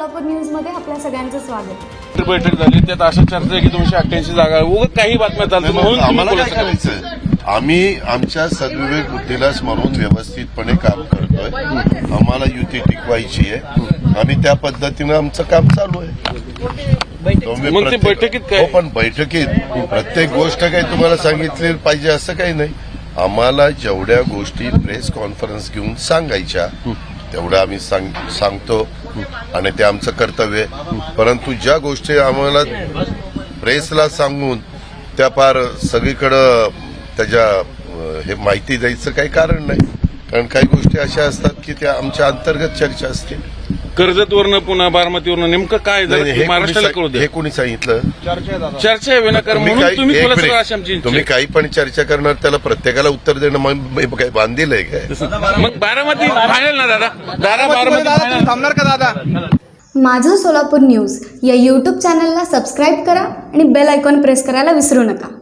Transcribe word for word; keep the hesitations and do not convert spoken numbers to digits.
Solapur news मध्ये आपल्या सगळ्यांचं स्वागत. बैठक झाली त्यात अशा चर्चा आहे की दोनशे अठ्ठ्याऐंशी जागा उगाच काही बातम्या चालतात म्हणून आम्हाला तुम्ही काय बोलत करायचं? आम्ही आमच्या सद्विवेक बुद्धीला स्मरून व्यवस्थितपणे काम करतोय. आम्हाला युती टिकवायची आहे आणि त्या पद्धतीनं आमचं काम चालू आहे. तुम्ही मग ते प्रत्येक- बैठकीत काय? हो, पण बैठकीत प्रत्येक गोष्ट काही तुम्हाला सांगितली पाहिजे असं काही नाही. आम्हाला जेवढ्या गोष्टी प्रेस कॉन्फरन्स घेऊन सांगायच्या तेवढं आम्ही सांग सांगतो आणि ते आमचं कर्तव्य आहे. परंतु ज्या गोष्टी आम्हाला प्रेसला सांगून त्या पार सगळीकडं त्याच्या हे माहिती द्यायचं काही कारण नाही. कारण काही गोष्टी अशा असतात की त्या आमच्या अंतर्गत चर्चा असते. कर्जतवरनं पुन्हा बारामतीवरनं नेमकं काय नाही, झालं हे महाराष्ट्राला कळू कोणी- द्या. हे कोणी सांगितलं? चर्चा आहे विनाकारण तुम्ही म्हणून काही- तुम्ही एक बोलत मिनिट. सगळं अशी आमची इच्छा तुम्ही आहे. काही पण चर्चा करणार त्याला प्रत्येकाला उत्तर देणं मग काय बांधील आहे काय? मग बारामती फायनल ना दादा दादा बारामती final. थांबणार का दादा? माझं सोलापूर न्यूज या यूट्यूब चॅनलला सबस्क्राईब करा आणि बेल आयकॉन प्रेस करायला विसरू नका.